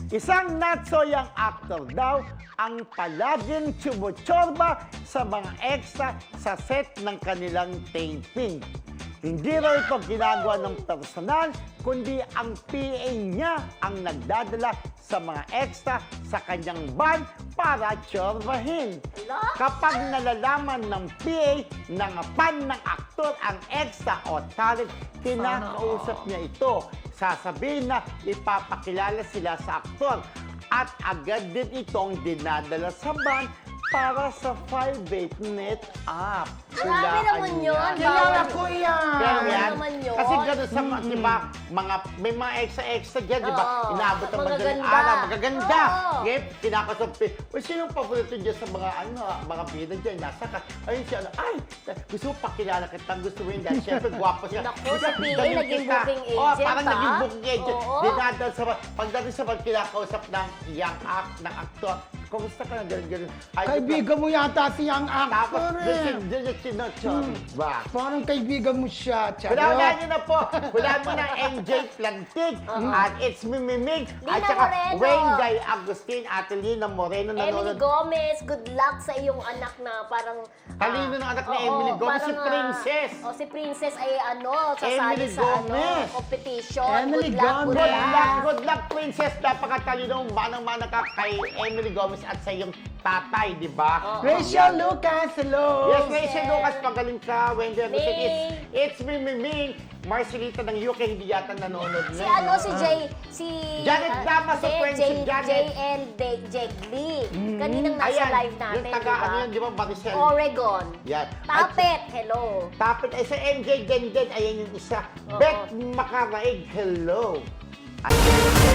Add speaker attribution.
Speaker 1: Isang not-so-young actor daw ang palaging tsumutsorba sa mga extra sa set ng kanilang taping. Hindi raw ito ginagawa ng personal, kundi ang PA niya ang nagdadala sa mga extra sa kanyang van para tsorbahin. Kapag nalalaman ng PA na fan ng aktor ang extra o talent, kinakausap niya ito. Sasabihin na ipapakilala sila sa aktor at agad din itong dinadala sa van para sa 5-8 net app.
Speaker 2: Grabe naman yun.
Speaker 3: Kilala ko yan.
Speaker 1: Pero
Speaker 2: Ano
Speaker 1: yan,
Speaker 2: naman yun?
Speaker 1: kasi gano'n sa, di ba, may mga extra dyan, di ba?
Speaker 2: Oo.
Speaker 1: Inaabot ang madaling
Speaker 2: Magaganda.
Speaker 1: araw, magaganda.
Speaker 2: Oo.
Speaker 1: Ngayon, kinakasabi, sinong paborito dyan sa mga, mga bida dyan, nasa ka, ayun siya, gusto mo pakilala kita, gusto mo yun dahil, syempre, gwapo siya.
Speaker 2: Naku, si PA naging booking agent,
Speaker 1: Oh, parang
Speaker 2: ha?
Speaker 1: naging booking agent.
Speaker 2: Oo.
Speaker 1: Dinadal sa, pagdating sa mga kinakausap ng young act, ng aktor, kumusta ka na, gano'n.
Speaker 3: Kaibigan mo yata si Young
Speaker 1: Tapos,
Speaker 3: Actor eh.
Speaker 1: doon yung sinotsorba.
Speaker 3: Parang kaibigan mo siya,
Speaker 1: Hulaan
Speaker 3: charot.
Speaker 1: nyo na po. Hulaan mo na MJ Plantig. At it's Mimimig. At
Speaker 2: Lina
Speaker 1: saka
Speaker 2: Moreno.
Speaker 1: Wayne Guy Agustin at Lina Moreno.
Speaker 2: Emily
Speaker 1: nanonood.
Speaker 2: Gomez, good luck sa iyong anak na parang...
Speaker 1: Talino ng anak ni Emily Gomez, si Princess.
Speaker 2: Si Princess ay sasali
Speaker 1: Emily
Speaker 2: sa
Speaker 1: Gomez.
Speaker 2: competition.
Speaker 3: Emily
Speaker 2: Good luck,
Speaker 3: Gomez.
Speaker 2: good luck.
Speaker 1: Good luck, Princess. Napakatalino. Manang-mana ka kay Emily Gomez at sa iyong tatay, di ba?
Speaker 3: Rachel Lucas, hello.
Speaker 1: Yes, Rachel Lucas, magaling ka. Wendy Agustin,
Speaker 2: Ming.
Speaker 1: it's Mimimig. Marcelita ng UK, hindi yata nanonood
Speaker 2: Si
Speaker 1: na. Janet Damas sa Friends si Janet.
Speaker 2: JL Jegli. Kaninang nasa live natin,
Speaker 1: yung taga, ano yun, di ba, Maricel?
Speaker 2: Oregon.
Speaker 1: Yan.
Speaker 2: Tapet, hello.
Speaker 1: Tapit, ay sa MJ Denden, ayan yung isa.
Speaker 2: Oo.
Speaker 1: Beth Makaraig, hello. At